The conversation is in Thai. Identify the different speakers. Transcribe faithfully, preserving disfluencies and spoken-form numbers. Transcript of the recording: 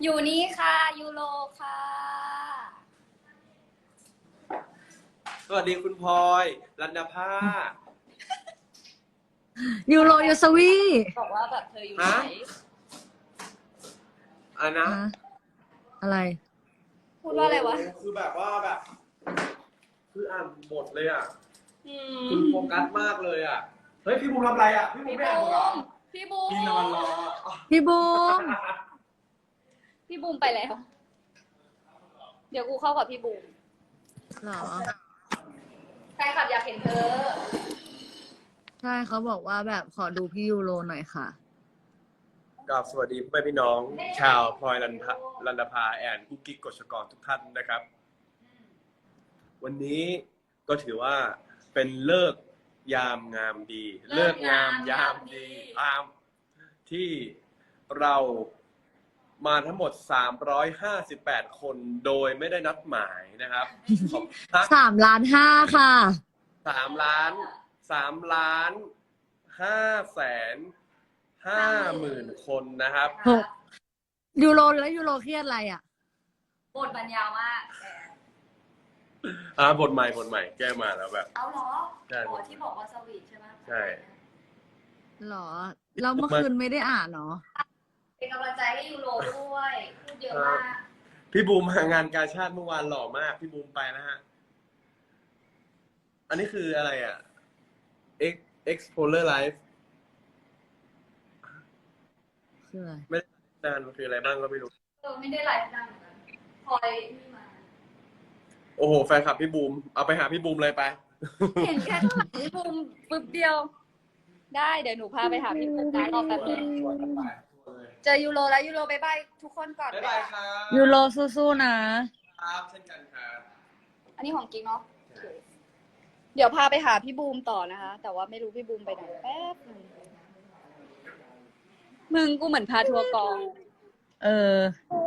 Speaker 1: อยู่นี่ค่ะยูโรค่ะ
Speaker 2: สวัสดีคุณพลอยรัตนภา
Speaker 3: ยูโรยูสวี
Speaker 1: บอกว่าแบบเธออยู่ไหน
Speaker 2: ฮะ อะไรนะ
Speaker 3: ฮะอะไร
Speaker 1: พูดว่าอะไรวะ
Speaker 2: โคือแบบว่าแบบ คืออ่านบทเลยอ่ะ
Speaker 1: อื
Speaker 2: คุณ
Speaker 1: ม
Speaker 2: โฟกัสมากเลยอ่ะ เฮ้ย พี่บูมทำอะไรอ่ะ พี่บูม
Speaker 1: พี่
Speaker 2: ไม่
Speaker 1: บู
Speaker 2: อ่านบทเหรอ
Speaker 1: มพี่บูม
Speaker 2: พี่นอนรอ
Speaker 3: พี่บูม
Speaker 1: พี่บูมไปแล้ว เดี๋ยวกูเข้ากับพี่บูม
Speaker 3: เหรอ
Speaker 1: แฟนคลับอยากเห็นเธอ
Speaker 3: ใช่เขาบอกว่าแบบขอดูพี่ยูโรหน่อยค่ะ
Speaker 2: กับสวัสดีพ่อแม่พี่น้อง ชาวพลอยรันทะรันดาภาแอนกุ๊กกิ๊กกฎชกรทุกท่านนะครับ วันนี้ก็ถือว่าเป็นเลิกษ์ยามงามดี
Speaker 1: เลิ
Speaker 2: เลิ
Speaker 1: ก
Speaker 2: ก
Speaker 1: ษ์
Speaker 2: ษ์งามยามดีตามที่เรามาทั้งหมดสามร้อยห้าสิบแปดคนโดยไม่ได้นัดหมายนะครับขอบคุณ
Speaker 3: สามล้านห้าค่ะ
Speaker 2: สามล้านสามล้านห้าแสนห้าหมื่นคนนะครับ
Speaker 3: หก ยูโรแล้วยูโรเครียดอะไรอ่ะ
Speaker 1: บทบรรยาวมากแก
Speaker 2: อ่าบทใหม่บทใหม่แก้มาแล้วแบบ
Speaker 1: เอาเหรอ
Speaker 2: ใช่
Speaker 1: อ๋อที่บอกว่าสวีทใช่ไหม
Speaker 2: ใช่
Speaker 3: หรอ เราเมื่อคืนไม่ได้อ่านเนาะ
Speaker 1: เป็นกำลังใจให้ยูโรด้วย พูดเยอะมาก
Speaker 2: พี่บูมมางานกาชาติเมื่อวานหล่อมาก พี่บูมไปนะฮะ อันนี้คืออะไรอ่ะ X Explorer Live
Speaker 3: คืออะไร
Speaker 2: ไม่ได้นานมันคืออะไรบ้างก็ไม่รู้
Speaker 1: เออไม่ได้ไลฟ์นานเหมือนกันพลอยนี่มา
Speaker 2: โอ้โห แฟนคลับพี่บูม เอาไปหาพี่บูมเลยไป
Speaker 1: เห็นแค่ข้างหลังพี่บูมปึ๊บเดียว ได้เดี๋ยวหนูพาไปหาพี่บูมนะรอแป๊บนึงเจอยูโรแล้วยูโรบายบายทุกคนก่อน
Speaker 2: บ๊ายบายครับ
Speaker 3: ยูโรสู้ๆนะ
Speaker 2: ครับเช่นกันครับ
Speaker 1: อันนี้ของกิ๊กเนาะโอเคเดี๋ยวพาไปหาพี่บูมต่อนะคะ แต่ว่าไม่รู้พี่บูมไปไหนแป๊บนึงมึงกูเหมือนพาทัวร์กอง
Speaker 3: เออ
Speaker 1: โอ้